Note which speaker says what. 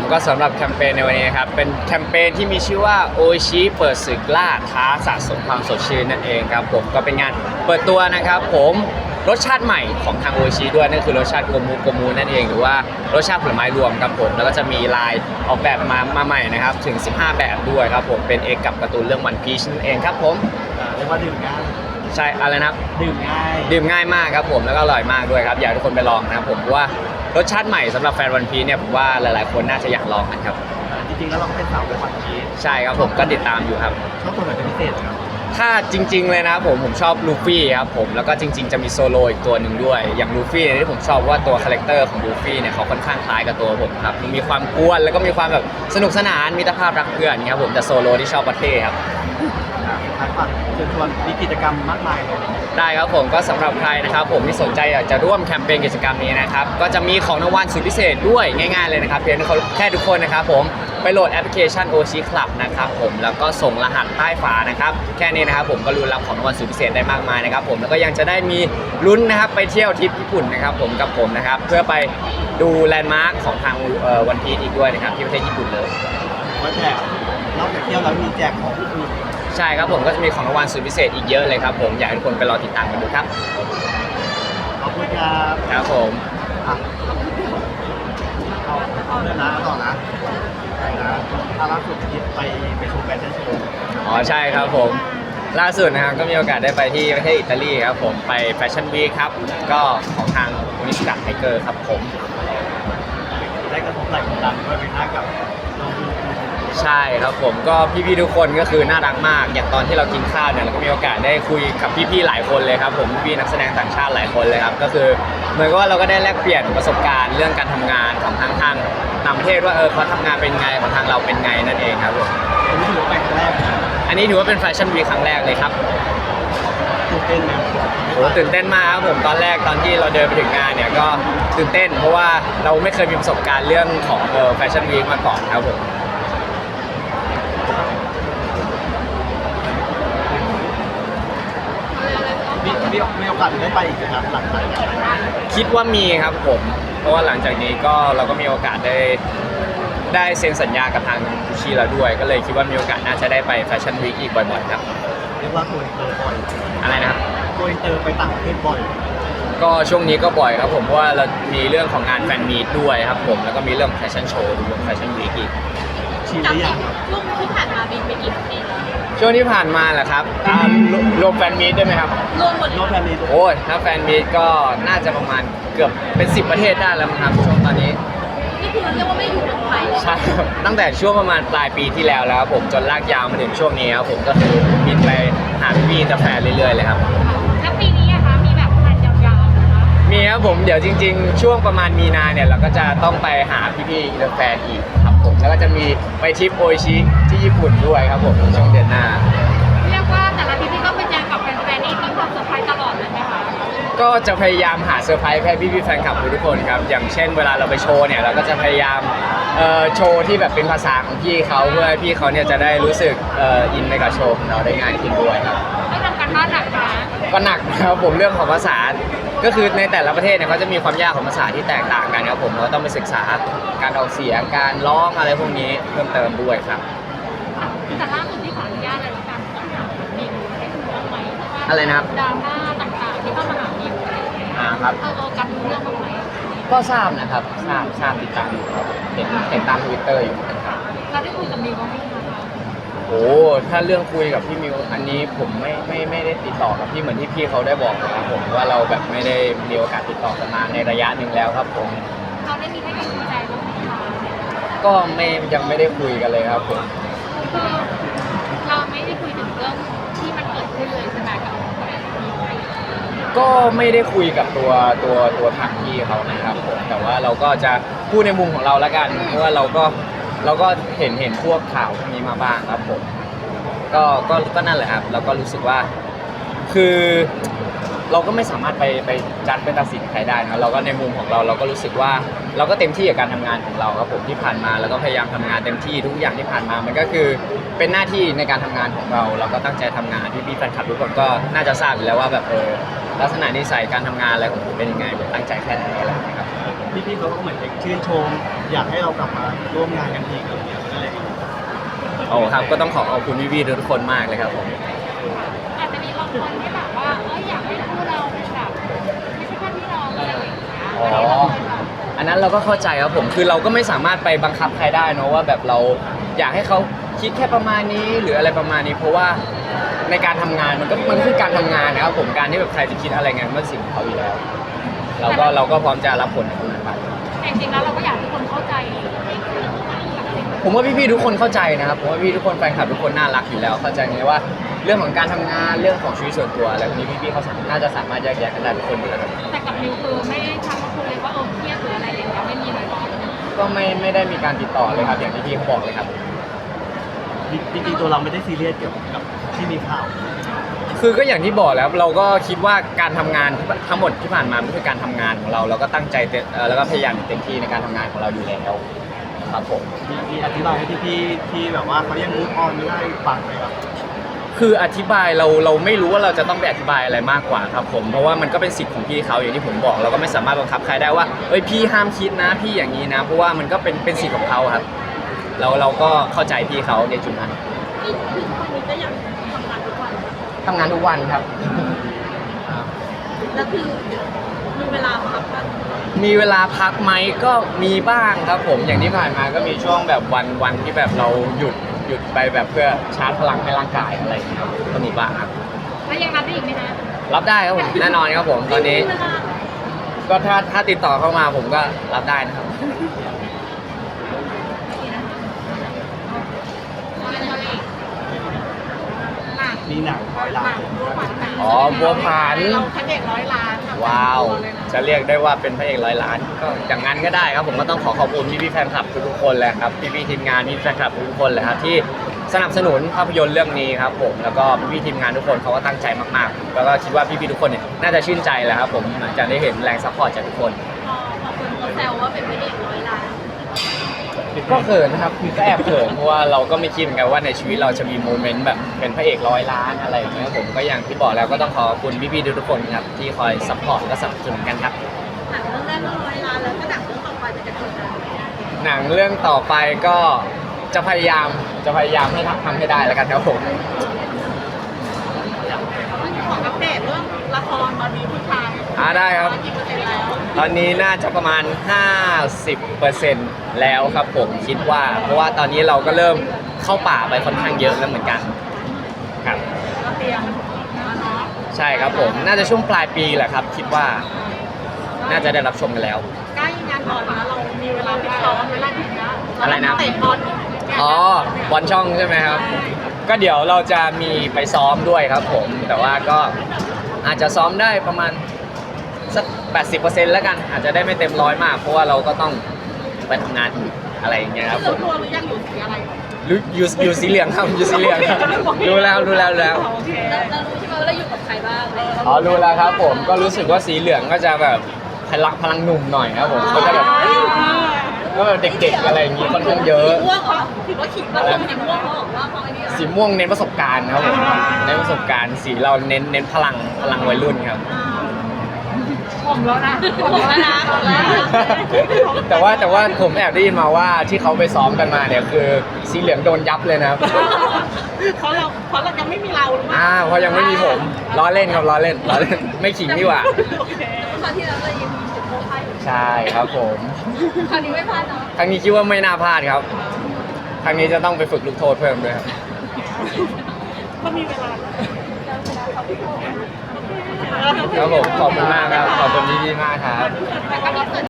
Speaker 1: ก็สำหรับแคมเปญในวันนี้นะครับเป็นแคมเปญที่มีชื่อว่าโอชิเปิดศึกล่าท้าสะสมความสดชื่นนั่นเองครับผมก็เป็นงานเปิดตัวนะครับผมรสชาติใหม่ของทางโอชิด้วยนั่นคือรสชาติโกมูนั่นเองหรือว่ารสชาติผลไม้รวมครับผมแล้วก็จะมีลายออกแบบมาใหม่นะครับถึง15แบบด้วยครับผมเป็นเอกกับการ์ตูนเรื่องวันพีชนั่นเองครับผม
Speaker 2: เรียกว่าดื่มง่าย
Speaker 1: ใช่อะไรนะครับ
Speaker 2: ดื่ม
Speaker 1: ง่ายมากครับผมแล้วก็อร่อยมากด้วยครับอยากให้ทุกคนไปลองนะครับผมเพราะว่ารสชาติใหม่สำหรับแฟนวันพีชเนี่ยผมว่าหลายๆคนน่าจะอยากลองกันครับ
Speaker 2: จริงๆแล้วเราก็เป็นสาววันพีช
Speaker 1: ใช่ครับผมก็ติดตามอยู่ครับ
Speaker 2: ชอบตัวไหนเป็นพิเศษครับ
Speaker 1: ถ้าจริงๆเลยนะผมชอบลูฟี่ครับผมแล้วก็จริงๆจะมีโซโลอีกตัวหนึ่งด้วยอย่างลูฟี่ที่ผมชอบว่าตัวคาแรคเตอร์ของลูฟี่เนี่ยเขาค่อนข้างคล้ายกับตัวผมครับมีความกวนแล้วก็มีความแบบสนุกสนานมิตรภาพรักเพื่อนครับผมแต่โซโลที่ชอบประเทศครับ
Speaker 2: ทักษะเชิญชวนมีกิจกรรมมากมายเลย
Speaker 1: ได้ครับผมก็สำหรับใครนะครับผมที่สนใจอยากจะร่วมแคมเปญกิจกรรมนี้นะครับก็จะมีของรางวัลสุดพิเศษด้วยง่ายๆเลยนะครับเพียงแค่ทุกคนนะครับผมไปโหลดแอปพลิเคชัน Oshi Club นะครับผมแล้วก็ส่งรหัสใต้ฝานะครับแค่นี้นะครับผมก็ลุ้นรับของรางวัลสุดพิเศษได้มากมายนะครับผมแล้วก็ยังจะได้มีลุ้นนะครับไปเที่ยวทริปญี่ปุ่นนะครับผมกับผมนะครับเพื่อไปดูแลนด์มาร์คของทางวันพีชอีกด้วยนะครับที่ประเทศญี่ปุ่นเลย
Speaker 2: ว่าแจกนอกจากเที่ยวแล้วมีแจกของอื่น
Speaker 1: ใช่ครับผมก็จะมีของรางวัลสุดพิเศษอีกเยอะเลยครับผมอยากให้ทุกคนไปรอติดตามกันดูครับ
Speaker 2: ขอบคุณครับ
Speaker 1: ครับผม
Speaker 2: เอาเรื่องนะต่อนะล่าสุดคิดไปชมแฟชั่นโชว์
Speaker 1: ใช่ครับผมล่าสุดนะครับก็มีโอกาสได้ไปที่ประเทศอิตาลีครับผมไปแฟชั่นวีคครับก็ของทางนิสกัดไทเกอร์ครับผม
Speaker 2: ได้กระทบไหล่กดดันด้วยเป็นหน้ากับ
Speaker 1: ใช่ครับผมก็พี่ๆทุกคนก็คือน่ารักมากอย่างตอนที่เรากินข้าวเนี่ยเราก็มีโอกาสได้คุยกับพี่ๆหลายคนเลยครับผมพี่นักแสดงต่างชาติหลายคนเลยครับก็คือเหมือนกับว่าเราก็ได้แลกเปลี่ยนประสบการณ์เรื่องการทำงานของทางต่างประเทศว่าเขาทำงานเป็นไงของทางเราเป็นไงนั่นเองครับผมอันนี้ถือว่าเป็นแฟชั่นวีคครั้งแรกเลยครับ
Speaker 2: ตื่นเต้นไหม
Speaker 1: โอ้ตื่นเต้นมากครับผมตอนแรกตอนที่เราเดินไปถึงงานเนี่ยก็ตื่นเต้นเพราะว่าเราไม่เคยมีประสบการณ์เรื่องของแฟชั่นวีคมาก่อนครับผม
Speaker 2: มีโอกาสได้ไปอีกครับหลังจากนี้
Speaker 1: คิดว่ามีครับผมเพราะว่าหลังจากนี้ก็เราก็มีโอกาสได้เซ็นสัญญากับทางกุชชี่แล้วด้วยก็เลยคิดว่ามีโอกาสน่าจะได้ไปแฟชั่นวีคอีกบ่อยๆครับ
Speaker 2: เรียกว่าโกอินเตอร์บ่อย
Speaker 1: อะไรนะครับ
Speaker 2: โกอินเตอร์ไปต่างประเทศบ่อย
Speaker 1: ก็ช่วงนี้ก็บ่อยครับผมเพราะว่าเรามีเรื่องของงานแฟนมีตด้วยครับผมแล้วก็มีเรื่องแฟชั่นโชว์ด้วยแฟชั่นวีคอีก
Speaker 2: ชิมหรือยัง
Speaker 3: ช่วงที่ผ่านมาบินไปกี่ประเทศแล้ว
Speaker 1: ช่วงที่ผ่านมาแหละครับรวมแฟนมีตด้วยไหมครับ
Speaker 3: รวมหมด
Speaker 2: แฟนมีต
Speaker 1: โอ้ยถ้าแฟนมีตก็น่าจะประมาณเกือบเป็น10ประเทศได้แล้วมั้งครับช่วงตอนนี้
Speaker 3: นี่คือเรียกว่าไม่อยู่เมืองไทย
Speaker 1: ใช่ตั้งแต่ช่วงประมาณปลายปีที่แล้วครับผมจนลากยาวมาถึงช่วงนี้ครับผมก็คือบินไปหาพี่ๆแต่แฟนเรื่อยๆเลยครับ
Speaker 3: แล้วปีนี้อะคะมีแบบแผนยาวๆนะคะ
Speaker 1: มีครับผมเดี๋ยวจริงๆช่วงประมาณมีนาเนี่ยเราก็จะต้องไปหาพี่ๆอินเตอร์แฟนอีกครับผมแล้วก็จะมีไปทริปโอชิที่ญี่ปุ่นด้วยครับผมช่วงเดือนหน้า
Speaker 3: เรียกว่าแต่ละทริปที่ก็ไปเจอกับแฟนๆนี่มีความเซอร์ไพรส์ตลอดเลยไหมคะ
Speaker 1: ก็จะพยายามหาเซอร์ไพรส์ให้พี่ๆแฟนคลับทุกคนครับอย่างเช่นเวลาเราไปโชว์เนี่ยเราก็จะพยายามโชว์ที่แบบเป็นภาษาของพี่เขาเพื่อให้พี่เขาเนี่ยจะได้รู้สึกอินไปกับโชว์ของเราได้ง่ายขึ้นด้วยครับ
Speaker 3: ไม่ทำการบ้านหนักนะ
Speaker 1: ก็หนักนะครับผมเรื่องของภาษาก็คือในแต่ละประเทศเนี่ยเขาจะมีความยากของภาษาที่แตกต่างกันครับผมเราต้องไปศึกษาการออกเสียงการร้องอะไรพวกนี้เพิ่มเติมด้วยครับ
Speaker 3: แต่ล่าสุดที่ขออนุญาตอะไรกันมีให้คุณรู้ไหม
Speaker 1: อะไรนะครับ
Speaker 3: ดราม่าต่างๆที่เข้ามาหาดิว
Speaker 1: ครับ
Speaker 3: กันรู้เรื่องบ้างไหม
Speaker 1: ก็ทราบนะครับทราบติดตามอยู่ครับเห็นตาม Twitter อยู่ครับ
Speaker 3: เราได้คุยกับดิวบ้างไหม
Speaker 1: โอ้ถ้าเรื่องคุยกับพี่มิวอันนี้ผมไม่ได้ติดต่อกับพี่เหมือนที่พี่เขาได้บอกนะครับผมว่าเราแบบไม่ได้มีโอกาสติดต่อกันมาในระยะหนึ่งแล้วครับผม
Speaker 3: เราได้มีให้กำลังใจบ้างไหมคะ
Speaker 1: ก็ยังไม่ได้คุยกันเลยครับผม
Speaker 3: เราไม่ได้คุยถึงเรื่องที่มันเกิดขึ้นเลยใช่ไหมกับ
Speaker 1: ก็ไม่ได้คุยกับตัวทางพี่เขานะครับผมแต่ว่าเราก็จะพูดในมุมของเราละกันเพราะว่าเราก็เห็นพวกข่าวพวกนี้มาบ้างครับผมก็นั่นแหละครับเราก็รู้สึกว่าคือเราก็ไม่สามารถไปจัดเป็นตัดสินใครได้นะเราก็ในมุมของเราก็รู้สึกว่าเราก็เต็มที่กับการทำงานของเราครับผมที่ผ่านมาแล้วก็พยายามทำงานเต็มที่ทุกอย่างที่ผ่านมามันก็คือเป็นหน้าที่ในการทำงานของเราก็ตั้งใจทำงานพี่แฟนคลับทุกคนก็น่าจะทราบอยู่แล้วว่าแบบลักษณะนิสัยการทำงานอะไรของผมเป็นยังไงผมตั้งใจแค่ไหนอะไรนะครับ
Speaker 2: พี่ๆเขาก็เหมือนชื่นชม อยากให้เรากลับมาร่วมงานกันอีกอะไรอย่างเงี้ยก็เลย
Speaker 1: โอ้ครับก็ต้องขอบคุณพี่ๆทุกคนมากเลยครับผม
Speaker 3: อาจจะมีบางคนที่แบบว่าอยากให้คู่เราเป็นแบบไม่ใช่แค่พี่น้องอะไรอย่างเงี้ย
Speaker 1: อ๋อ อันนั้นเราก็เข้าใจครับผมคือเราก็ไม่สามารถไปบังคับใครได้เนอะว่าแบบเราอยากให้เขาคิดแค่ประมาณนี้หรืออะไรประมาณนี้ เพราะว่าในการทำงานมันคือการทำงานนะครับผมการที่แบบใครจะคิดอะไรไงมันเป็นสิ่งของเขาอยู่แล้ว เราก็พร้อมจะรับผลในตรงนั้นไป
Speaker 3: แต่จริงๆแล้วเราก็อยากให้คนเข้าใจในสิ่ง
Speaker 1: ผมว่าพี่ๆทุกคนเข้าใจนะครับผมว่าพี่ทุกคนแฟนคลับทุกคนน่ารักอยู่แล้วเข้าใจไงว่าเรื่องของการทำงานเรื่องของชีวิตส่วนตัวอะไรพวกนี้พี่ๆเขาน่าจะสามารถแยกแยะกันได้ทุกคนอยู่แล้วครับ
Speaker 3: แต่กับนิวคือไม่ได้ทำมาคุยเลยว่าเครียดหรืออะไรอย่างเงี้ยไม่มีเลยเนาะ
Speaker 1: ก็ไม่ได้มีการติดต่อเลยครับอย่างที่พี่เขาบอกเลยครับ
Speaker 2: จริงๆตัวเราไม่ได้ซีเรียสเกี่ยวกับที่มีข่าว
Speaker 1: คือก็อย่างที่บอกแล้วเราก็คิดว่าการทำงานทั้งหมดที่ผ่านมามันคือการทำงานของเราเราก็ตั้งใจแล้วก็พยายามเต็มที่ในการทำงานของเราอยู่แล้วครับผม
Speaker 2: มีอธิบายให้พี่ๆที่แบบว่าเขายังมูฟออนไม่ได้ฟังไหมครับ
Speaker 1: คืออธิบายเราไม่รู้ว่าเราจะต้องไปอธิบายอะไรมากกว่าครับผมเพราะว่ามันก็เป็นสิทธิ์ของพี่เขาอย่างที่ผมบอกเราก็ไม่สามารถบังคับใครได้ว่าเอ้ยพี่ห้ามคิดนะพี่อย่างนี้นะเพราะว่ามันก็เป็นสิทธิ์ของเขาครับเราก็เข้าใจพี่เขาในจุดนั้น
Speaker 3: คือคนนี้ก็ยังทำงานทุกวัน
Speaker 1: ทำงานทุกวันครับ
Speaker 3: แล้วคือมีเวลาพักบ้าง
Speaker 1: มีเวลาพักไหมก็มีบ้างครับผมอย่างที่ผ่านมาก็มีช่วงแบบวันที่แบบเราหยุดไปแบบเพื่อชาร์จพลังให้ร่างกายอะไรอย่างเงี้ยครับก็มีบ้างครับ
Speaker 3: แล้วยังรับได้อีกไหมคะ
Speaker 1: รับได้ครับผมแน่นอนครับผมตอนนี้ ก็ถ้าติดต่อเข้ามาผมก็รับได้นะครับ
Speaker 2: มีหนัง100 ล้าน
Speaker 1: อ๋อบัวผัน
Speaker 3: เราพระเอก100 ล้าน
Speaker 1: ว้าว จะเรียกได้ว่าเป็นพระเอก100 ล้านก็อย่างนั้นก็ได้ครับผมก็ต้องขอบคุณพี่ๆแฟนคลับทุกๆคนเลยครับพี่ๆทีมงานพี่แฟนคลับทุกๆคนเลยครับที่สนับสนุนภาพยนตร์เรื่องนี้ครับผมแล้วก็พี่ๆทีมงานทุกคนเขาก็ตั้งใจมากๆแล้วก็คิดว่าพี่ๆทุกคนเนี่ยน่าจะชื่นใจแหละครับผมหลังจากได้เห็นแรงซัพพอร์ตจากทุกคน
Speaker 3: พอคนเขาแซวว่าเป็นพระเอก100 ล้าน
Speaker 1: ก็เขินนะครับคือก็แอบเขินเพราะว่าเราก็ไม่คิดเหมือนกันว่าในชีวิตเราจะมีโมเมนต์แบบเป็นพระเอก100 ล้านอะไรอย่างเงี้ยผมก็อย่างที่บอกแล้วก็ต้องขอบคุณพี่ๆทุกๆคนครับที่คอยซัพพอร์ตและสนับสนุนกันครับ
Speaker 3: หนังเรื่องแรกก็100 ล้านแล้วก็หนังเรื่องต่อไปจะกดดัน
Speaker 1: หนังเรื่องต่อไปก็จะพยายามให้ทำให้ได้แล้วกันครับผม
Speaker 3: ของอัปเดตเรื่องละครตอนนี้ผู้ชาย
Speaker 1: ได้ครับ
Speaker 3: กี่เปอร์เซ็นต์แล้ว
Speaker 1: ตอนนี้น่าจะประมาณ 50%แล้วครับผมคิดว่า เพราะว่าตอนนี้เราก็เริ่มเข้าป่าไปค่อนข้างเยอะแล้วเหมือนกันครับ
Speaker 3: เราเตรียมแล้วเนาะ
Speaker 1: ใช่ครับผมน่าจะช่วงปลายปีแหละครับ คิดว่าน่าจะได้รับชมกันแล้ว
Speaker 3: ใกล้งานบอลนะเรามีเวลาไปซ้อมเวลาถึงนะ
Speaker 1: อะไรนะ
Speaker 3: เตะบอล
Speaker 1: อ๋อบอลช่องใช่ไหมครับ ก็เดี๋ยวเราจะมีไปซ้อมด้วยครับผม แต่ว่าก็อาจจะซ้อมได้ประมาณสัก 80%แล้วกัน อาจจะได้ไม่เต็มร้อยมาก เพราะว่าเราก็ต้องไปทำงานอีกอะไรอย่างเงี้ยครับผ
Speaker 3: เลือก
Speaker 1: ม
Speaker 3: ตัวหรือยังอยู่สีอะไร
Speaker 1: อยู่สีเหลืองครับอยู่สีเหลืองครับรู้แล้ว
Speaker 3: โอเคเรารู้ใช่ไหมว่าเราอยู่กับใครบ้าง
Speaker 1: อ๋อรู้แล้วครับผมก็รู้สึกว่าสีเหลืองก็จะแบบพลังหนุ่มหน่อยครับผมก็จะแบบเด็กๆอะไรอย่างงี้ค่อนข้างเยอะ
Speaker 3: ม่วงเหรอถือว่าขิงว่าสีม่วงเขาบอกว่าพอไอ้นี่
Speaker 1: สีม่วงเน้นประสบการณ์ครับผมเน้นประสบการณ์สีเราเน้นพลังวัยรุ่นครับ
Speaker 3: ผมแล้วนะผมแล้วนะ
Speaker 1: แต่ว่าผมแอบได้ยินมาว่าที่เขาไปซ้อมกันมาเนี่ยคือสีเหลืองโดนยับเลยนะครับ
Speaker 3: เพราะเรายังไม่มีเราหรือเปล่า
Speaker 1: เพราะยังไม่มีผมล้อเล่นครับล้อเล่นไม่ขิงดีกว่า
Speaker 3: คราวที่แล้วเรายังมีสิทธิ์โค้ชอยู่
Speaker 1: ใช่ครับผม
Speaker 3: คราวนี้ไม่พลาดเนาะ
Speaker 1: ครั้งนี้คิดว่าไม่น่าพลาดครับครั้งนี้จะต้องไปฝึกลูกโทษเพิ่มด้วยครับ
Speaker 3: ก็มีเวลา
Speaker 1: ครับผมขอบคุณมากครับขอบคุณพี่ๆมากครับ
Speaker 3: แต่ก็มีส่วน